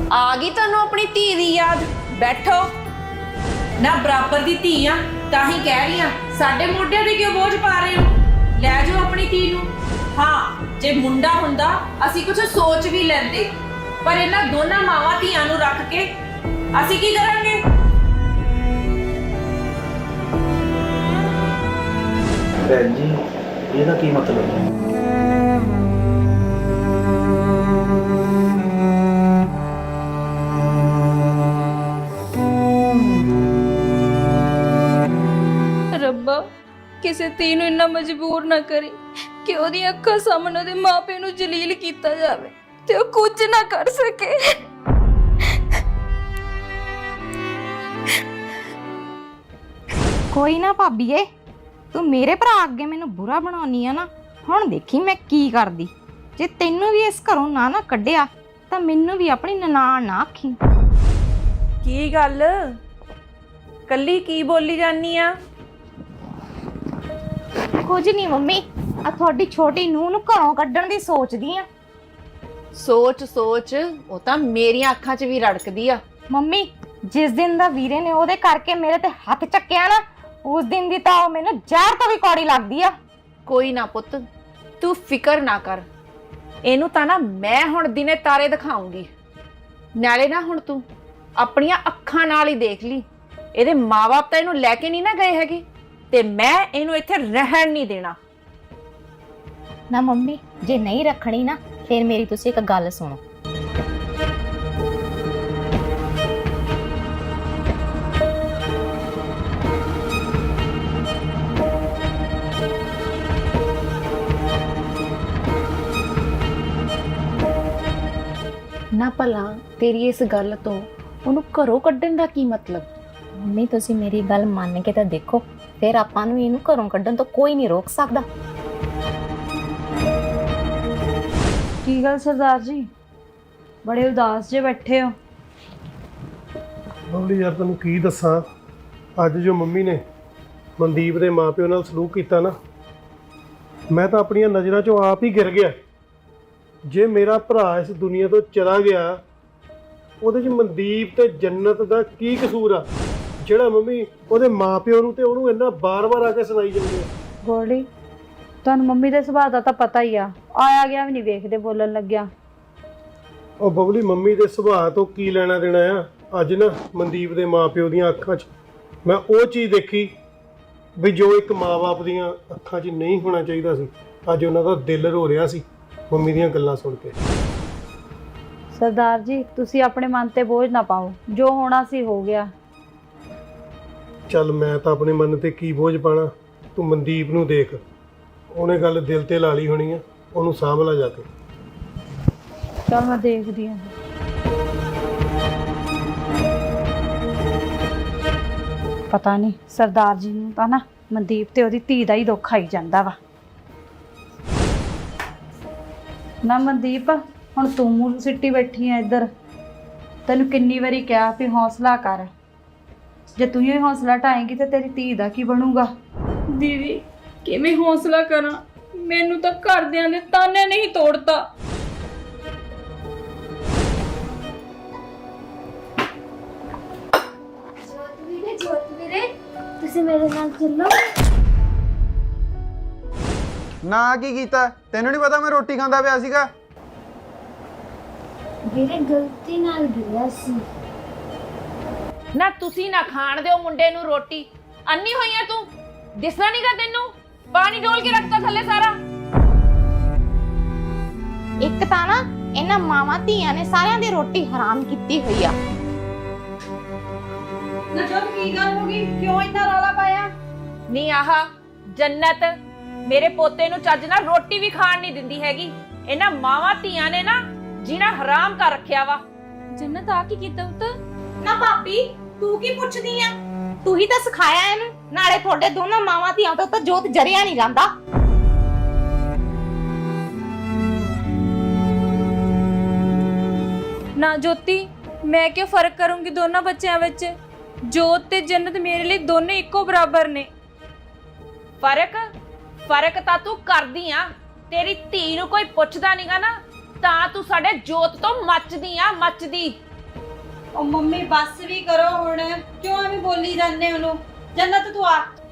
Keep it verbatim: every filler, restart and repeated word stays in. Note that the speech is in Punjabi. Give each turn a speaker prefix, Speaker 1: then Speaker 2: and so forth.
Speaker 1: आ गई तुहानू अपनी धी दी याद? बैठो ना, बराबर दी धी आ तां ही कह रही हां, साडे मोढियां ते क्यों बोझ पा रहे हो? लै जाओ अपनी धी नू। हाँ, जे मुंडा हुंदा असीं कुछ सोच भी लैंदे, पर इन्हां दोनां मावां धीआं नू रख के असीं की करांगे?
Speaker 2: भैन जी ਇਹਦਾ ਕੀ ਮਤਲਬ ਹੈ?
Speaker 3: ਰੱਬਾ ਕਿਸੇ ਧੀ ਨੂੰ ਇੰਨਾ ਮਜਬੂਰ ਨਾ ਕਰੀ ਕਿ ਉਹਦੀ ਅੱਖਾਂ ਸਾਹਮਣੇ ਉਹਦੇ ਮਾਪੇ ਨੂੰ ਜਲੀਲ ਕੀਤਾ ਜਾਵੇ ਤੇ ਉਹ ਕੁਝ ਨਾ ਕਰ ਸਕੇ।
Speaker 4: ਕੋਈ ਨਾ ਭਾਬੀਏ, ਤੂੰ ਮੇਰੇ ਭਰਾ ਅੱਗੇ ਮੈਨੂੰ ਬੁਰਾ ਬਣਾਉਣੀ ਆ ਨਾ, ਹੁਣ ਦੇਖੀ ਮੈਂ ਕੀ ਕਰਦੀ। ਜੇ ਤੈਨੂੰ ਵੀ ਇਸ ਘਰੋਂ ਨਾ ਨਾ ਕੱਢਿਆ ਤਾਂ ਮੈਨੂੰ ਵੀ ਆਪਣੀ ਨਨਾਣ ਨਾ ਆਖੀ।
Speaker 1: ਕੀ ਗੱਲ ਕੱਲੀ ਕੀ ਬੋਲੀ ਜਾਨੀ ਆ?
Speaker 4: ਕੁਝ ਨਹੀਂ ਮੰਮੀ, ਆ ਤੁਹਾਡੀ ਛੋਟੀ ਨੂੰਹ ਨੂੰ ਘਰੋਂ ਕੱਢਣ ਦੀ ਸੋਚਦੀ ਆ।
Speaker 1: ਸੋਚ ਸੋਚ ਉਹ ਤਾਂ ਮੇਰੀਆਂ ਅੱਖਾਂ 'ਚ ਵੀ ਰੜਕਦੀ ਆ।
Speaker 4: ਮੰਮੀ ਜਿਸ ਦਿਨ ਦਾ ਵੀਰੇ ਨੇ ਉਹਦੇ ਕਰਕੇ ਮੇਰੇ ਤੇ ਹੱਥ ਚੱਕਿਆ ਨਾ, ਉਸ ਦਿਨ ਦੀ ਤਾਂ ਉਹ ਮੈਨੂੰ ਜ਼ਹਿਰ ਤੋਂ ਵੀ ਕੌੜੀ ਲੱਗਦੀ ਆ।
Speaker 1: ਕੋਈ ਨਾ ਪੁੱਤ, ਤੂੰ ਫਿਕਰ ਨਾ ਕਰ, ਇਹਨੂੰ ਤਾਂ ਨਾ ਮੈਂ ਹੁਣ ਦਿਨੇ ਤਾਰੇ ਦਿਖਾਉਂਗੀ। ਨਾਲੇ ਨਾ ਹੁਣ ਤੂੰ ਆਪਣੀਆਂ ਅੱਖਾਂ ਨਾਲ ਹੀ ਦੇਖ ਲਈ, ਇਹਦੇ ਮਾਂ-ਬਾਪ ਤਾਂ ਇਹਨੂੰ ਲੈ ਕੇ ਨਹੀਂ ਨਾ ਗਏ ਹੈਗੇ, ਤੇ ਮੈਂ ਇਹਨੂੰ ਇੱਥੇ ਰਹਿਣ ਨਹੀਂ ਦੇਣਾ।
Speaker 4: ਨਾ ਮੰਮੀ, ਜੇ ਨਹੀਂ ਰੱਖਣੀ ਨਾ ਫਿਰ ਮੇਰੀ ਤੁਸੀਂ ਇੱਕ ਗੱਲ ਸੁਣੋ।
Speaker 1: ਨਾ ਭਲਾ ਤੇਰੀ ਇਸ ਗੱਲ ਤੋਂ ਉਹਨੂੰ ਘਰੋਂ ਕੱਢਣ ਦਾ ਕੀ ਮਤਲਬ?
Speaker 4: ਮੰਮੀ ਤੁਸੀਂ ਮੇਰੀ ਗੱਲ ਮੰਨ ਕੇ ਤਾਂ ਦੇਖੋ, ਫਿਰ ਆਪਾਂ ਨੂੰ ਇਹਨੂੰ ਘਰੋਂ ਕੱਢਣ ਤੋਂ ਕੋਈ ਨਹੀਂ ਰੋਕ ਸਕਦਾ।
Speaker 3: ਕੀ ਗੱਲ ਸਰਦਾਰ ਜੀ, ਬੜੇ ਉਦਾਸ ਜੇ ਬੈਠੇ ਹੋ?
Speaker 5: ਬਬਲੀ ਯਾਰ ਤੈਨੂੰ ਕੀ ਦੱਸਾਂ, ਅੱਜ ਜੋ ਮੰਮੀ ਨੇ ਮਨਦੀਪ ਦੇ ਮਾਪਿਓ ਨਾਲ ਸਲੂਕ ਕੀਤਾ ਨਾ, ਮੈਂ ਤਾਂ ਆਪਣੀਆਂ ਨਜ਼ਰਾਂ 'ਚੋਂ ਆਪ ਹੀ ਗਿਰ ਗਿਆ। ਜੇ ਮੇਰਾ ਭਰਾ ਇਸ ਦੁਨੀਆ ਤੋਂ ਚਲਾ ਗਿਆ, ਉਹਦੇ 'ਚ ਮਨਦੀਪ ਤੇ ਜੰਨਤ ਦਾ ਕੀ ਕਸੂਰ ਆ ਜਿਹੜਾ ਮੰਮੀ ਉਹਦੇ ਮਾਪਿਓ ਨੂੰ ਤੇ ਉਹਨੂੰ ਇੰਨਾ ਬਾਰ-ਬਾਰ ਆ ਕੇ ਸੁਣਾਈ ਜਾਂਦੇ ਆ।
Speaker 3: ਗੋਲਡੀ, ਤੁਹਾਨੂੰ ਮੰਮੀ ਦੇ ਸੁਭਾਅ ਦਾ ਤਾਂ ਪਤਾ ਹੀ ਆ, ਆਇਆ ਗਿਆ ਵੀ ਨਹੀਂ ਵੇਖਦੇ ਬੋਲਣ ਲੱਗਿਆ।
Speaker 5: ਉਹ ਬਬਲੀ ਮੰਮੀ ਦੇ ਸੁਭਾਅ ਤੋਂ ਕੀ ਲੈਣਾ ਦੇਣਾ ਆ? ਅੱਜ ਨਾ ਮਨਦੀਪ ਦੇ ਮਾਪਿਓ ਦੀਆਂ ਅੱਖਾਂ 'ਚ ਮੈਂ ਉਹ ਚੀਜ਼ ਦੇਖੀ ਵੀ ਜੋ ਇੱਕ ਮਾਂ-ਬਾਪ ਦੀਆਂ ਅੱਖਾਂ 'ਚ ਨਹੀਂ ਹੋਣਾ ਚਾਹੀਦਾ ਸੀ। ਅੱਜ ਉਹਨਾਂ ਦਾ ਦਿਲ ਰੋ ਰਿਹਾ ਸੀ ਮੰਮੀ ਦੀਆਂ ਗੱਲਾਂ ਸੁਣ ਕੇ।
Speaker 3: ਸਰਦਾਰ ਜੀ ਤੁਸੀਂ ਆਪਣੇ ਮਨ ਤੇ ਬੋਝ ਨਾ ਪਾਓ, ਜੋ ਹੋਣਾ ਸੀ ਹੋ ਗਿਆ।
Speaker 5: ਚੱਲ ਮੈਂ ਤਾਂ ਆਪਣੇ ਮਨ ਤੇ ਕੀ ਬੋਝ ਪਾਣਾ, ਤੂੰ ਮਨਦੀਪ ਨੂੰ ਦੇਖ, ਉਹਨੇ ਗੱਲ ਦਿਲ ਤੇ ਲਾ ਲਈ ਹੋਣੀ ਆ, ਉਹਨੂੰ ਸਾਂਭ ਲਾ ਜਾ ਕੇ।
Speaker 3: ਚਲ ਮੈਂ ਦੇਖਦੀ ਹਾਂ। ਪਤਾ ਨਹੀਂ ਸਰਦਾਰ ਜੀ ਨੂੰ ਤਾਂ ਨਾ ਮਨਦੀਪ ਤੇ ਉਹਦੀ ਧੀ ਦਾ ਹੀ ਦੁੱਖ ਆਈ ਜਾਂਦਾ ਵਾ। ਨਾ ਮਨਦੀਪ, ਹੁਣ ਤੂੰ ਮੂੰਹ ਸਿੱਟੀ ਬੈਠੀ ਆ ਇੱਧਰ, ਤੈਨੂੰ ਕਿੰਨੀ ਵਾਰੀ ਕਿਹਾ ਵੀ ਹੌਸਲਾ ਕਰ। ਜੇ ਤੂੰ ਹੀ ਹੌਸਲਾ ਢਾਏਂਗੀ ਤੇ ਤੇਰੀ ਧੀ ਦਾ ਕੀ ਬਣੂਗਾ? ਦੀਦੀ ਕਿਵੇਂ ਹੌਸਲਾ ਕਰਾਂ, ਮੈਨੂੰ ਤਾਂ ਘਰਦਿਆਂ ਦੇ ਤਾਨੇ ਨਹੀਂ ਤੋੜਤਾ।
Speaker 6: ਜੋਤ ਵੀਰੇ, ਜੋਤ ਵੀਰੇ, ਤੁਸੀਂ ਮੇਰੇ ਨਾਲ ਚੱਲੋ।
Speaker 7: ਨਾ ਕੀ ਕੀਤਾ? ਤੈਨੂੰ ਨਹੀਂ ਪਤਾ ਮੈਂ ਰੋਟੀ ਖਾਂਦਾ ਪਿਆ ਸੀਗਾ?
Speaker 6: ਵੀਰੇ ਗਲਤੀ ਨਾਲ ਗਿਰਿਆ ਸੀ।
Speaker 1: ਨਾ ਤੁਸੀਂ ਨਾ ਖਾਣ ਦਿਓ ਮੁੰਡੇ ਨੂੰ ਰੋਟੀ। ਅੰਨੀ ਹੋਈ ਆ ਤੂੰ, ਦਿਸਦਾ ਨਹੀਂਗਾ ਤੈਨੂੰ? ਪਾਣੀ ਡੋਲ ਕੇ ਰੱਖਤਾ ਥੱਲੇ ਸਾਰਾ।
Speaker 4: ਇੱਕ ਤਾਂ ਨਾ ਇਹਨਾਂ ਮਾਵਾਂ ਧੀਆਂ ਨੇ ਸਾਰਿਆਂ ਦੀ ਰੋਟੀ ਹਰਾਮ ਕੀਤੀ ਹੋਈ ਆ।
Speaker 3: ਨਾ ਜਦ ਕੀ ਗੱਲ ਹੋ ਗਈ, ਕਿਉਂ ਇੰਨਾ ਰੌਲਾ ਪਾਇਆ?
Speaker 1: ਨਹੀਂ ਆਹ ਜੰਨਤ ਮੇਰੇ ਪੋਤੇ ਨੂੰ ਚੱਜ ਨਾਲ ਰੋਟੀ ਵੀ ਖਾਣ ਨਹੀਂ ਦਿੰਦੀ ਹੈਗੀ। ਇਹਨਾਂ ਮਾਵਾਂ ਧੀਆਂ ਨੇ ਨਾ ਜੀਣਾ ਹਰਾਮ ਕਰ ਰੱਖਿਆ ਵਾ।
Speaker 3: ਜੰਨਤ ਆ ਕੀ ਕੀਤਾ ਪੁੱਤ?
Speaker 4: ਨਾ ਭਾਬੀ ਤੂੰ ਕੀ ਪੁੱਛਦੀ ਆ? ਤੂੰ ਹੀ ਤਾਂ ਸਿਖਾਇਆ ਇਹਨੂੰ, ਨਾਲੇ ਤੁਹਾਡੇ ਦੋਨਾਂ ਮਾਵਾਂ ਧੀਆਂ ਤੋਂ ਤਾਂ ਜੋਤ ਜਰਿਆ ਨਹੀਂ ਜਾਂਦਾ।
Speaker 3: ਨਾ ਜੋਤੀ, ਮੈਂ ਕਿਉਂ ਫਰਕ ਕਰੂੰਗੀ ਦੋਨਾਂ ਬੱਚਿਆਂ ਵਿੱਚ? ਜੋਤ ਤੇ ਜੰਨਤ ਮੇਰੇ ਲਈ ਦੋਨੇ ਇੱਕੋ ਬਰਾਬਰ ਨੇ।
Speaker 1: ਫਰਕ ਫਰਕ ਤਾਂ ਤੂੰ ਕਰਦੀ ਆ। ਤੇਰੀ ਧੀ ਨੂੰ ਕੋਈ ਪੁੱਛਦਾ ਨਹੀਂਗਾ ਨਾ, ਤਾਂ ਤੂੰ ਸਾਡੇ ਜੋਤ ਤੋਂ ਮੱਚਦੀ ਆ, ਮੱਚਦੀ।
Speaker 3: ਉਹ ਮੰਮੀ ਬੱਸ ਵੀ ਕਰੋ ਹੁਣ, ਕਿਉਂ ਐਵੇਂ ਬੋਲੀ ਜਾਂਦੇ ਉਹਨੂੰ? ਜੰਨਤ ਤੂੰ ਆ